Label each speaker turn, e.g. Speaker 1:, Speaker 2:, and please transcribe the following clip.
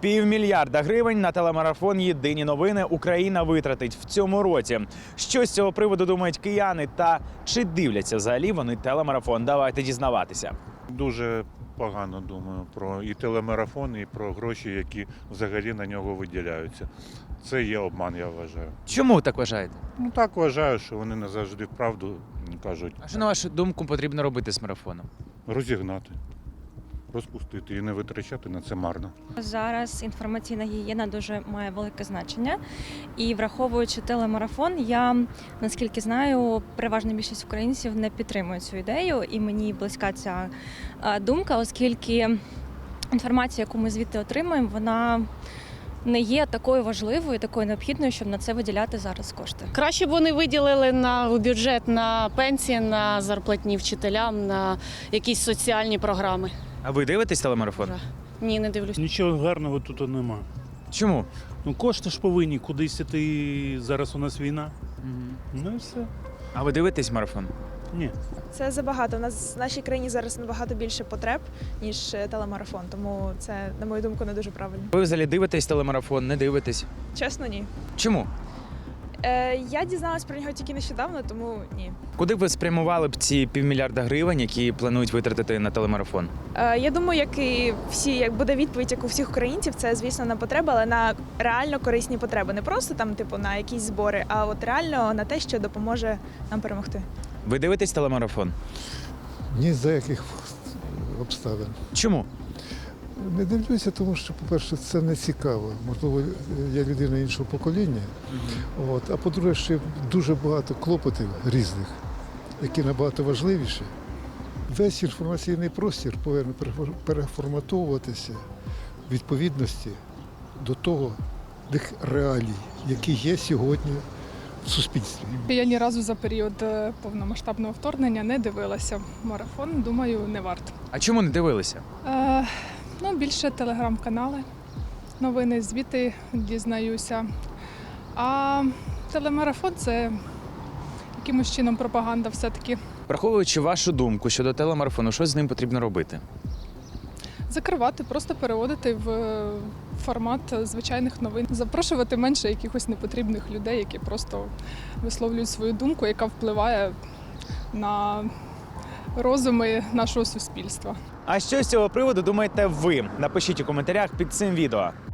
Speaker 1: 500 мільйона на телемарафон «Єдині новини» Україна витратить в цьому році. Що з цього приводу думають кияни та чи дивляться взагалі вони телемарафон? Давайте дізнаватися.
Speaker 2: Дуже погано думаю про і телемарафон, і про гроші, які взагалі на нього виділяються. Це є обман, я вважаю.
Speaker 1: Чому так вважаєте?
Speaker 2: Ну так вважаю, що вони не завжди правду кажуть.
Speaker 1: А що, на вашу думку, потрібно робити з марафоном?
Speaker 2: Розігнати, розпустити і не витрачати на це марно.
Speaker 3: Зараз інформаційна гігієна дуже має велике значення. І враховуючи телемарафон, я, наскільки знаю, переважна більшість українців не підтримує цю ідею. І мені близька ця думка, оскільки інформація, яку ми звідти отримуємо, вона не є такою важливою, такою необхідною, щоб на це виділяти зараз кошти.
Speaker 4: Краще б вони виділили на бюджет на пенсії, на зарплатні вчителям, на якісь соціальні програми.
Speaker 1: А ви дивитесь телемарафон?
Speaker 4: Ні, не дивлюсь.
Speaker 5: Нічого гарного тут нема.
Speaker 1: Чому?
Speaker 5: Ну кошти ж повинні кудись іти, зараз у нас війна. Ну і все.
Speaker 1: А ви дивитесь марафон?
Speaker 5: Ні.
Speaker 6: Це забагато. У нас в нашій країні зараз набагато більше потреб, ніж телемарафон. Тому це, на мою думку, не дуже правильно.
Speaker 1: Ви взагалі дивитесь телемарафон, не дивитесь?
Speaker 6: Чесно, ні.
Speaker 1: Чому?
Speaker 6: Я дізналась про нього тільки нещодавно, тому ні.
Speaker 1: Куди б ви спрямували б ці 500 мільйона, які планують витратити на телемарафон?
Speaker 6: Я думаю, як і всі, як буде відповідь, як у всіх українців, це, звісно, на потреби, але на реально корисні потреби. Не просто там, типу, на якісь збори, а от реально на те, що допоможе нам перемогти.
Speaker 1: Ви дивитесь телемарафон?
Speaker 7: Ні за яких обставин.
Speaker 1: Чому?
Speaker 7: Не дивлюся, тому що, по-перше, це не цікаво. Можливо, я людина іншого покоління. А по-друге, ще дуже багато клопотів різних, які набагато важливіші. Весь інформаційний простір повинен переформатовуватися в відповідності до того тих реалій, які є сьогодні в суспільстві.
Speaker 8: Я ні разу за період повномасштабного вторгнення не дивилася марафон, думаю, не варто.
Speaker 1: А чому не дивилися?
Speaker 8: Більше телеграм-канали, новини, звіти дізнаюся. А телемарафон – це якимось чином пропаганда все-таки.
Speaker 1: Враховуючи вашу думку щодо телемарафону, що з ним потрібно робити?
Speaker 8: Закривати, просто переводити в формат звичайних новин. Запрошувати менше якихось непотрібних людей, які просто висловлюють свою думку, яка впливає на розуми нашого суспільства.
Speaker 1: А що з цього приводу думаєте ви? Напишіть у коментарях під цим відео.